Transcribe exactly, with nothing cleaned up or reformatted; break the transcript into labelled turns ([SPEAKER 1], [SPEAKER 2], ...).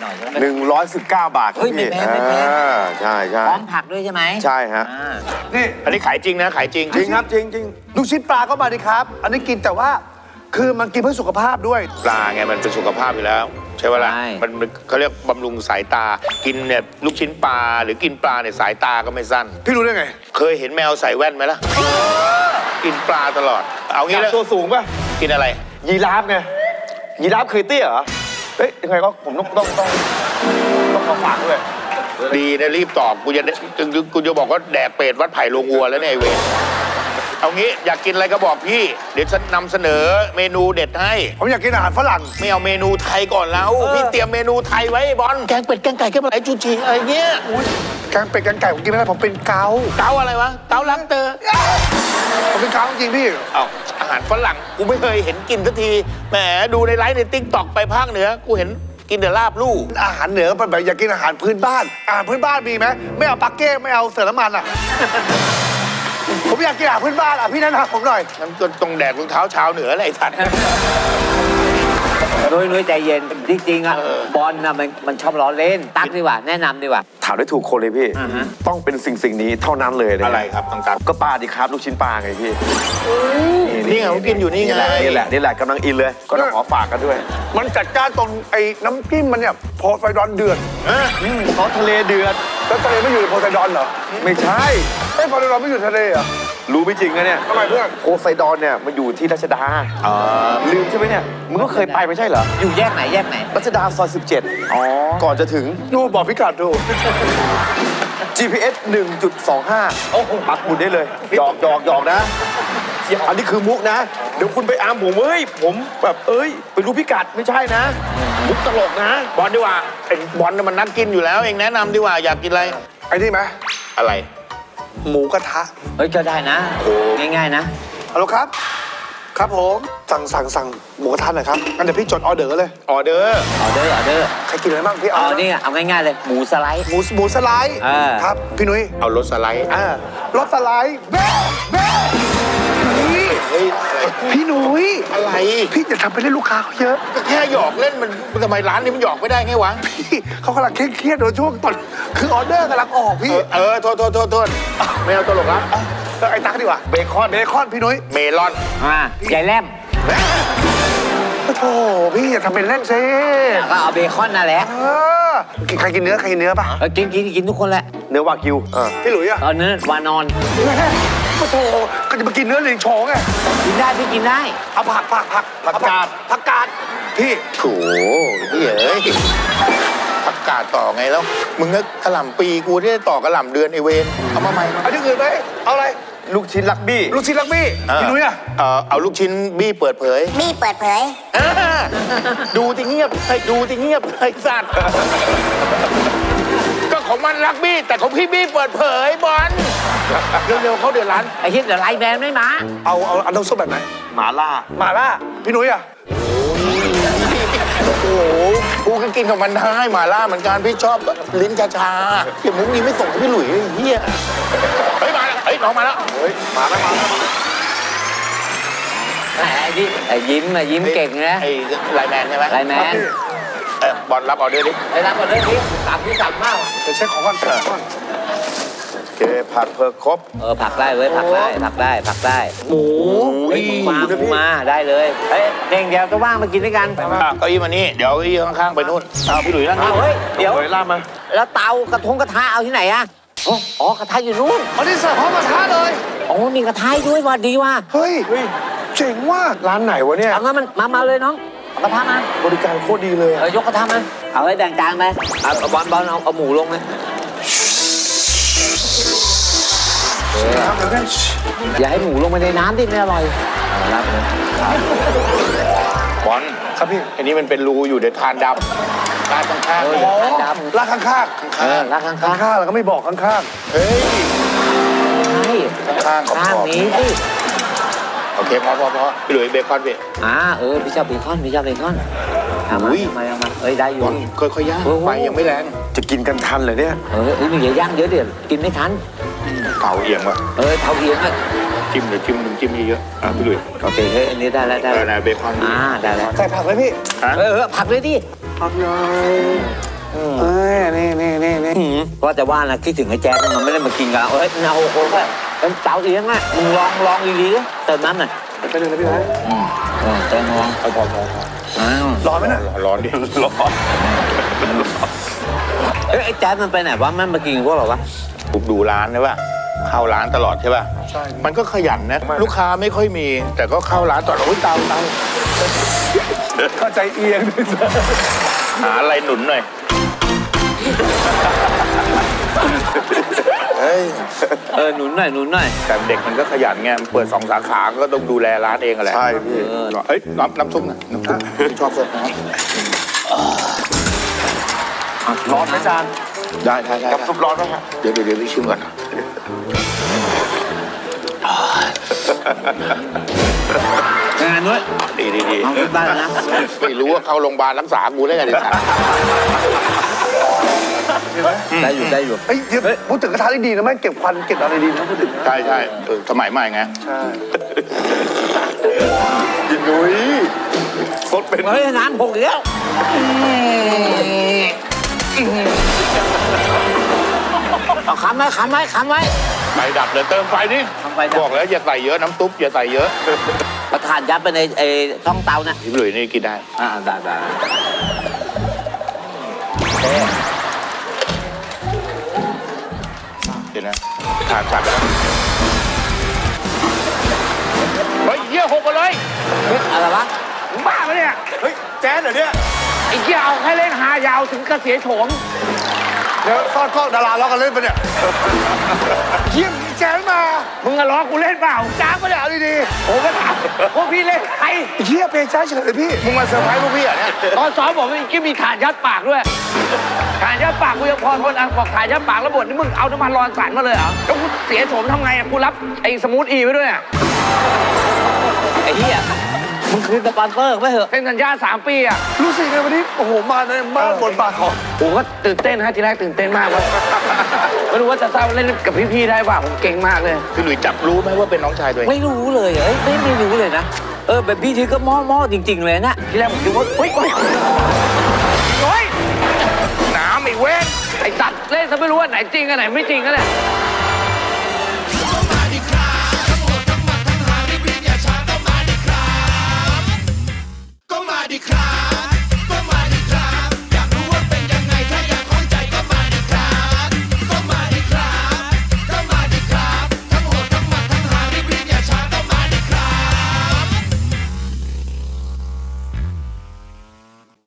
[SPEAKER 1] น่อยใช่ไหม
[SPEAKER 2] หนึ่งร้อยสิบเก้าบาท
[SPEAKER 1] เฮ้ยไม่แพงไม่แพง
[SPEAKER 2] ใช่ใช่
[SPEAKER 1] พร้อมผักด้วยใช่ไหม
[SPEAKER 2] ใช่ฮะ
[SPEAKER 3] นี่
[SPEAKER 4] อันนี้ขายจริงนะขายจริง
[SPEAKER 2] จริงครับจริงจริง
[SPEAKER 3] ลูกชิ้นปลาก็มาดิครับ อันนี้กินแต่ว่าคือมันกินเพื่อสุขภาพด้วย
[SPEAKER 4] ปลาไงมันเป็นสุขภาพอยู่แล้ว ใช่ไหมล่ะมันเขาเรียกบำรุงสายตา กินเนี่ยลูกชิ้นปลาหรือกินปลาเนี่ยสายตาก็ไม่สั้น
[SPEAKER 3] พี่รู้ได้ไง
[SPEAKER 4] เคยเห็นแมวใส่แว่นไหมล่ะกินปลาตลอด เอางี้แล้ว
[SPEAKER 2] ตัวสูงป่ะ
[SPEAKER 4] กินอะไร
[SPEAKER 2] ยีราฟไงยีราฟเคยเตี้ยเหรอเฮ้ยยังไงก็ผมต้องต้องต้องต้องมาฝากด้วย
[SPEAKER 4] ดีนะรีบตอบกูจะกูจะบอกว่าแดกเป็ดวัดไผ่โรงวัวแล้วเนี่ยไอ้เวรเอางี้อยากกินอะไรก็บอกพี่ เดี๋ยวฉันนำเสนอเมนูเด็ดให้
[SPEAKER 3] ผมอยากกินอาหารฝรั่ง
[SPEAKER 4] ไม่เอาเมนูไทยก่อนแล้วพี่เตรียมเมนูไทยไว้บอลแกงเป็ดแกงไก่แกงปลาไหลจูชีอะไรเงี้ย
[SPEAKER 3] แกงเป็ดแกงไก่ผมกินไม่ได้ผมเป็นเกา
[SPEAKER 4] เกาอะไรวะเกาลังเตอร์
[SPEAKER 3] ผมเป็นเกาจริงๆพี่
[SPEAKER 4] เอาอาหารฝรั่งกูไม่เคยเห็นกินสักทีแหมดูในไลฟ์ในติ๊กต็อกไปภาคเหนือกูเห็นกินแต่ลาบลู่
[SPEAKER 3] อาหารเหนือมันแบบอยากกินอาหารพื้นบ้าน อาหารพื้นบ้านมีไหมไม่เอาปักเก้ไม่เอาเสือน้ำมันอ่ะ ผมอยากกินอาหารพื้นบ้านอ่ะพี่แนะนำผมหน่อย
[SPEAKER 4] มันก็ต้องแดกรองเท้าชาวเหนืออะไรไอ้สัตว์
[SPEAKER 1] นุ้ยนุ้ยใจเย็นจริงๆอ่ะบอลน่ะมันมันชอบล้อเล่นตักดีกว่าแนะนำดีกว่า
[SPEAKER 2] ถามได้ถูกคนเลยพี่
[SPEAKER 1] อ่าฮะ
[SPEAKER 2] ต้องเป็นสิ่งสิ่งนี้เท่านั้นเลยน
[SPEAKER 4] อะไรครับต่าง
[SPEAKER 2] ก็ปลาดิครับลูกชิ้นปลาไงพี่
[SPEAKER 4] ๆนี่ไงเขากินอยู่นี่ไง
[SPEAKER 2] นี่แหละนี่แหละกำลังอินเลย ก็ต้องขอฝากกันด้วย
[SPEAKER 3] มันจัดจ้านตรงไอ้น้ำจิ้มมันเนี่ยโพไซดอนเดือด
[SPEAKER 2] ซอสทะเลเดือด
[SPEAKER 3] แล้วทะเลไม่อยู่ในโพไซดอนเหรอ
[SPEAKER 2] ไม่ใช่
[SPEAKER 3] ไอ้ยโพไซดอนไม่อยู่ทะเลเหรอ
[SPEAKER 2] รู้ไม่จริงนะเนี่ย
[SPEAKER 3] ทำไมเพื่อน
[SPEAKER 2] โพไซดอนเนี่ยมันอยู่ที่รัชดาลืมใช่ไหมเนี่ยมึงก็เคยไปไม่ใช่เหรอ
[SPEAKER 1] อยู่แยกไหนแยกไหน
[SPEAKER 2] รัชดาซอยสิบเจ็ดอ๋อก่อนจะถึง
[SPEAKER 3] ดูบอกพิกัดดู
[SPEAKER 2] จี พี เอส หนึ่งจุดสองห้า โอ้โหปักหมุดได้เลยหยอกหยอกหยอกนะ อันนี้คือมุกนะ เดี๋ยวคุณไปอามผมเฮ้ย ผมแบบเอ้ย ไปรู้พิกัดไม่ใช่นะ มุกตลกนะ
[SPEAKER 4] บอลดีกว่าไอ้บอลน่ะมันนักกินอยู่แล้วเองแนะนำดีกว่าอยากกินอะไร
[SPEAKER 3] ไอ้นี่ไหม
[SPEAKER 4] อะไร
[SPEAKER 3] หมูกระทะ
[SPEAKER 1] เฮ้ยก็ได้นะง่ายๆนะ
[SPEAKER 3] ฮัลโหลครับ ครับผมสั่งสั่งสั่งหมูกระทะหน่อยครับงั้นเดี๋ยวพี่จดออเดอร์เลย
[SPEAKER 4] ออเดอร์
[SPEAKER 1] ออเดอร์ออเดอร์
[SPEAKER 3] ใครกินอะไรบ้างพี่เอา
[SPEAKER 1] เอานี่เอาง่ายๆเลยหมูสไลด์
[SPEAKER 3] หมูหมูสไลด์
[SPEAKER 1] อ่า
[SPEAKER 3] ครับพี่นุ้ย
[SPEAKER 4] เอารถสไลด์
[SPEAKER 3] อ่ารสสไลด์เบ้เบ้พี่
[SPEAKER 4] เฮ้ยอะไร
[SPEAKER 3] พี่นุ้ย
[SPEAKER 4] อะไร
[SPEAKER 3] พี่จะทำไปเล่นลูกค้าเขาเยอะ
[SPEAKER 4] ก็แค่หยอกเล่นมันทำไมร้านนี้มันหยอกไม่ได้ไงวะ
[SPEAKER 3] พี่เขากำลังเครียดๆโดยช่วงตอนคือออเดอร์กำลังออก
[SPEAKER 4] เอ
[SPEAKER 3] พี่
[SPEAKER 4] อเออโทษโทษโทษโทษไม่เอาตลกละ
[SPEAKER 3] เออไอ้ตั๊กดีกว่าเบคอนเบคอนพี่นุ้ย
[SPEAKER 4] เมลอน
[SPEAKER 1] อ่าใหญ่แลม
[SPEAKER 3] โอ้โถพี่อย่าทำเป็นเล่นซิ
[SPEAKER 1] ก็เอาเบคอนนั่นแหละ
[SPEAKER 3] เออกินใครกินเนื้อใครกินเนื้อป่ะ
[SPEAKER 1] เออกินกินกินทุกคนแหละ
[SPEAKER 2] เนื้อวากิวอ่า
[SPEAKER 3] พี่หลุยอะ
[SPEAKER 1] ตอนนั้นวานอน
[SPEAKER 3] โอ้โถก็จะมากินเนื้อลิงโชงไง
[SPEAKER 1] กินได้พี่กินได้
[SPEAKER 3] เอาผักผักผักผักกาดผักกาดพี่
[SPEAKER 4] โถ่เฮ้ยเอ้ยผักกาดต่อไงแล้ว มึงก็กระหล่ำปีกูที่ได้ต่อกระหล่ำเดือนไอเวนเอามาใหม่มา
[SPEAKER 3] เอาที่อื่นไหมเอาอะไร
[SPEAKER 2] ลูกชิ้นลักบี้
[SPEAKER 3] ลูกชิ้นลักบี้พี่นุ้ยอะ
[SPEAKER 4] เออเอาลูกชิ้นบี้เปิดเผย
[SPEAKER 5] บี้เปิดเผย
[SPEAKER 4] อ่าดูที่เงียบไอ้ดูที่เงียบไอ้สัตว์ก็ของมันลักบี้แต่ของพี่บี้เปิดเผยบอลเร็วๆเขาเดือดร้อน
[SPEAKER 1] ไอ้ที่เดี๋ยวไลน์แบนไม่มา
[SPEAKER 3] เอาเอาเอาน้ำซุปแบบไหน
[SPEAKER 2] หมาล่า
[SPEAKER 3] หม่าล่าพี่นุ้ยอะ
[SPEAKER 4] โอ้โหกูก็กินกับมันได้หมาล่าเหมือนกันพี่ชอบลิ้นชาๆเดี๋ยวมุกนี้ไม่ส่งให้พี่หลุยไอ้เฮียเฮ้ยมาแล้วเฮ้ยน้องมาแล้ว
[SPEAKER 3] เฮ้ยมาแล้วมาแล้ว
[SPEAKER 1] ไอ้ที่ไอ้ยิ้มอะยิ้มเก่งนะ
[SPEAKER 4] ไอ้ไลน์แมนใช่ไหม
[SPEAKER 1] ไลน์แมน
[SPEAKER 4] เออบอลรับออเดอร์ดิ
[SPEAKER 1] ไปรับก่อนเลยพี่ตักพี่สั่งมาก
[SPEAKER 3] เดี๋ยวเช็คของก่อนเช็คของก่อน
[SPEAKER 2] โอเคผักเพิกครบ
[SPEAKER 1] เออผักได้เว้ยผักได้ผักได้ผักได้หมูเฮ้ยมาหมูมาได้เลยเฮ้ยเด้งเดียวก็ว่างมากินด้วยกัน
[SPEAKER 4] อ่ะเก้าอี้มานี่เดี๋ยวเก้าอี้ข้างๆไปนู่นเอาพี่หลุยนั่ง
[SPEAKER 1] เอา
[SPEAKER 4] นี่
[SPEAKER 1] เฮ้ยเดี๋ยว
[SPEAKER 2] เฮ้ยล่ามา
[SPEAKER 1] แล้วเตากระทงกระทะเอาที่ไหนอะอ๋ออ๋อกระทะอยู่นู่น
[SPEAKER 3] อันนี้เสิร์ฟพร้อมกระทะเลย
[SPEAKER 1] อ๋อมีกระทะด้วยว่ะดีว่ะ
[SPEAKER 3] เฮ้ยเจ๋งว่ะ
[SPEAKER 2] ร้านไหนวะเนี่ย
[SPEAKER 1] เอางั้นมันมามาเลยน้องเอากระทะมา
[SPEAKER 2] บริการโคตรดีเลย
[SPEAKER 1] เอ
[SPEAKER 2] อะ
[SPEAKER 1] อยกกระทะมาเอาไว้แบ่งจานไปเอาเอาบอลบอลเอาเอาหมูลงเลย
[SPEAKER 3] ครับเดี๋ยวกัน
[SPEAKER 1] อย่าให้หมูลงไปในน้ำดิไม่อร่อยเอาละเลย
[SPEAKER 4] บอล
[SPEAKER 3] ครับพี่
[SPEAKER 4] อันนี้มันเป็นรูอยู่เดี๋ยวทานดำทานข้างๆ
[SPEAKER 1] เอ
[SPEAKER 4] นี่
[SPEAKER 1] อ
[SPEAKER 3] อ๋อ
[SPEAKER 1] จานดำ
[SPEAKER 3] ลากข้าง
[SPEAKER 1] เออรักข้าง
[SPEAKER 3] ๆ
[SPEAKER 1] ข้าง
[SPEAKER 3] ข้างๆแล้วก็ไม่บอกข้าง
[SPEAKER 4] เฮ้ย
[SPEAKER 1] ใช่
[SPEAKER 4] ข้างๆขอบ
[SPEAKER 1] ข้าง
[SPEAKER 4] ๆ
[SPEAKER 1] นี้สิ
[SPEAKER 4] โอเคพอพอพอพี่หลุยเบคอนพี่
[SPEAKER 1] อ่าเออพี่ชอบเบคอนพี่ชอบเบคอนเอามา
[SPEAKER 4] อุ้ย
[SPEAKER 1] เอามาเอามาเอ้ยได้อยู่
[SPEAKER 4] บอลค่อยๆย่าง
[SPEAKER 1] โอ้โห
[SPEAKER 4] ไฟยังไม่แรง
[SPEAKER 2] จะกินกันทันเหรอเนี่ย
[SPEAKER 1] เออเอ้ยมึงอย่าย่างเยอะเดี๋ยวกินไม่ทัน
[SPEAKER 4] เผาเอียงว่ะ
[SPEAKER 1] เออเท่าเอียงอ่ะ
[SPEAKER 4] จิ้มเดี๋ยวจิ้มน้ำจิ้มเยอะๆอ่ะพี่หลุย
[SPEAKER 1] โอเคเฮ้ยอันนี้ได้แล้วได้
[SPEAKER 4] เอ
[SPEAKER 1] แล้
[SPEAKER 4] อ
[SPEAKER 1] ว
[SPEAKER 4] นะเบคอน
[SPEAKER 1] อ่าได้แล้ว
[SPEAKER 3] ใส่ผักไหมพี่
[SPEAKER 4] ฮะ
[SPEAKER 1] เออเออผักเลยดิ
[SPEAKER 3] ผักหน่อยเอ้ยนี่นี่นี่นี่
[SPEAKER 1] อืมว่าแต่ว่านะคิดถึงไอ้แจ๊คมันไม่ได้มากินกับเราเฮ้ยเอาโอ้โหเป็นเต๋าเลี้ยงอ่ะมึงลองลองดีๆดิเติมน้ำหน่อย
[SPEAKER 3] ไปหนึ่งนะพี่นะ
[SPEAKER 1] อืมเออเติมลอง
[SPEAKER 2] เอาพอพอพอ
[SPEAKER 1] อ้าว
[SPEAKER 3] ร้อนไหมน่ะ
[SPEAKER 4] ร้อนดิ
[SPEAKER 2] ร้อน
[SPEAKER 1] เอ้ยไอ้แจ๊คมันไปไหนวะมันมากินกับพวกเราวะ
[SPEAKER 4] ผมดูร้านใช่ป่ะเข้าร้านตลอดใช่ป่ะ
[SPEAKER 3] ใช่
[SPEAKER 4] มันก็ขยันนะลูกค้าไม่ค่อยมี แต่ก็เข้าร้านตลอดโอ้ยเตาเตา
[SPEAKER 3] เข้าใจเอียงด้วยซ้
[SPEAKER 4] หาอะไรหนุนหน่อยเฮ้ย
[SPEAKER 1] เออหนุนหน่อยหนุนหน่อย
[SPEAKER 4] แต่เด็กมันก็ขยันไงเปิดสองสาขาก็ต้องดูแลร้านเองอะแหละ
[SPEAKER 2] ใช่พี่
[SPEAKER 1] เออ
[SPEAKER 4] เฮ้ยน้ำน้ำซุปนะน้ำซุปพี่ชอบซดน้
[SPEAKER 2] ร้อนไหมจาน
[SPEAKER 4] ำได้ได้ได้
[SPEAKER 2] กับซุปร้อนไหมครับ
[SPEAKER 4] เดี๋ยวเดี๋ยวเดี๋ยวพี่ชิมก่อนนะ
[SPEAKER 1] งานด้วย
[SPEAKER 4] ดีดีดี
[SPEAKER 1] เอาขึ้นบ้านนะ
[SPEAKER 4] ไม่รู้ว่าเข้าโรงพยาบาลรักษากูได้ไงดิสัตว์
[SPEAKER 1] ได้อยู่ได้อยู่
[SPEAKER 3] เฮ้ยเดี๋ยวพูดถึงกระทะได้ดีนะแม่งเก็บควันเก็บอะไรดีนะพูดถึงนะ
[SPEAKER 4] ใช่ใช่เออสมัยใหม่ไง
[SPEAKER 3] ใช่
[SPEAKER 2] กินนุ้ยสดเป็น
[SPEAKER 1] เฮ้ยน้ำหกอีกแล้วเอาค้ำไว้ค้ำไว้ค้ำไว้
[SPEAKER 4] ไฟดับเลยเติมไฟนี่
[SPEAKER 1] ทำไฟดับ
[SPEAKER 4] บอกแล้วอย่าใส่เยอะน้ำซุปอย่าใส่เยอะ
[SPEAKER 1] ประทานยัดไปในไอ้ช่องเตานะ
[SPEAKER 4] พี่หลุยนี่กินได้
[SPEAKER 1] อ่าได้ได้โอเค
[SPEAKER 4] เดี๋ยวนะขาดขาดแล้วเฮ้ยเยี่ยหกมาเลย
[SPEAKER 1] เฮ้ยอะไรวะ
[SPEAKER 3] มึงบ้าปะเนี่ย
[SPEAKER 2] เฮ้ยแจ๊ดเหรอเนี่ย
[SPEAKER 3] ไอ้เหี้ยเอาให้เล่นหายาวถึงกระเสียโฉมเดี๋ยวซ่อนกล้องดาราล้อกันเล่นปะเนี่ยเยี่ยมแจ้งมามึงอะล้อกูเล่นเปล่าจ้างปะเนี่ยเอาดีๆผมก็ถามพวกพี่เล่นใครเหี้ยเพลงช้าเฉยเลยพี่
[SPEAKER 4] มึงมาเซอร์ไพรส์พวกพี่เหรอเนี่ย
[SPEAKER 3] ตอนซ้อมบอกว่าอีกมีฐานยัดปากด้วยฐานยัดปากกูยังพอทนอ่ะบอกฐานยัดปากแล้วบทนี่มึงเอาน้ำมันรอนสันมาเลยเหรอแล้วกูเสียโฉมทำไงอ่ะกูรับไอ้สมูทอีไว้ด้วยอ่ะ
[SPEAKER 1] ไอ้เหี้ยมึงคือสปอนเซอร์ไม่เหรอ
[SPEAKER 3] เซ็นสัญญาสามปีอ่ะรู้สึกไงวันนี้โอ้โหมาในบ้านบทบาทของผมก็ตื่นเต้นฮะทีแรกตื่นเต้นมากว่าไม่รู้ว่าจะเศร้าเล่นกับพี่ๆได้ป่ะผมเก่งมากเลย
[SPEAKER 4] พี่หลุยจับรู้ไหมว่าเป็นน้องชายตัวเอง
[SPEAKER 1] ไม่รู้เลยเอ้ยไม่ไม่รู้เลยนะเออแบบพี่ทีก็หม้อหม้อจริง ๆ เลยนะ
[SPEAKER 3] ทีแรกผมคิดว่าเฮ้ยเฮ้ยเฮ้ย
[SPEAKER 4] น้ำไอ้เว้น
[SPEAKER 3] ไอ้สัตว์เล่นซะไม่รู้ว่าไหนจริงอันไหนไม่จริงกันเนี่ย